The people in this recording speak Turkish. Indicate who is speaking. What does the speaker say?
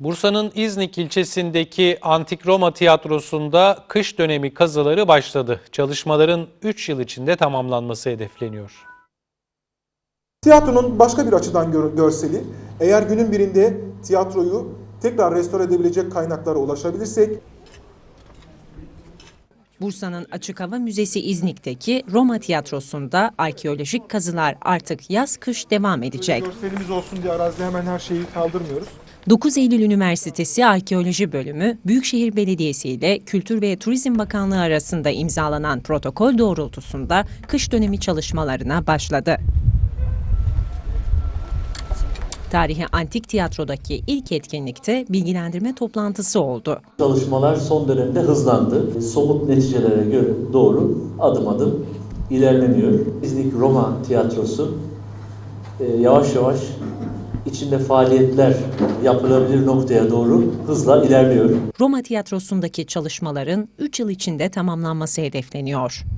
Speaker 1: Bursa'nın İznik ilçesindeki Antik Roma Tiyatrosu'nda kış dönemi kazıları başladı. Çalışmaların 3 yıl içinde tamamlanması hedefleniyor.
Speaker 2: Tiyatronun başka bir açıdan görseli, eğer günün birinde tiyatroyu tekrar restore edebilecek kaynaklara ulaşabilirsek,
Speaker 3: Bursa'nın Açık Hava Müzesi İznik'teki Roma Tiyatrosu'nda arkeolojik kazılar artık yaz-kış devam edecek.
Speaker 2: görselimiz olsun diye arazide hemen her şeyi kaldırmıyoruz.
Speaker 3: 9 Eylül Üniversitesi Arkeoloji Bölümü, Büyükşehir Belediyesi ile Kültür ve Turizm Bakanlığı arasında imzalanan protokol doğrultusunda kış dönemi çalışmalarına başladı. Tarihi Antik Tiyatro'daki ilk etkinlikte bilgilendirme toplantısı oldu.
Speaker 4: Çalışmalar son dönemde hızlandı. Somut neticelere göre doğru adım adım ilerleniyor. İznik Roma Tiyatrosu yavaş yavaş içinde faaliyetler yapılabilir noktaya doğru hızla ilerliyor.
Speaker 3: Roma Tiyatrosu'ndaki çalışmaların 3 yıl içinde tamamlanması hedefleniyor.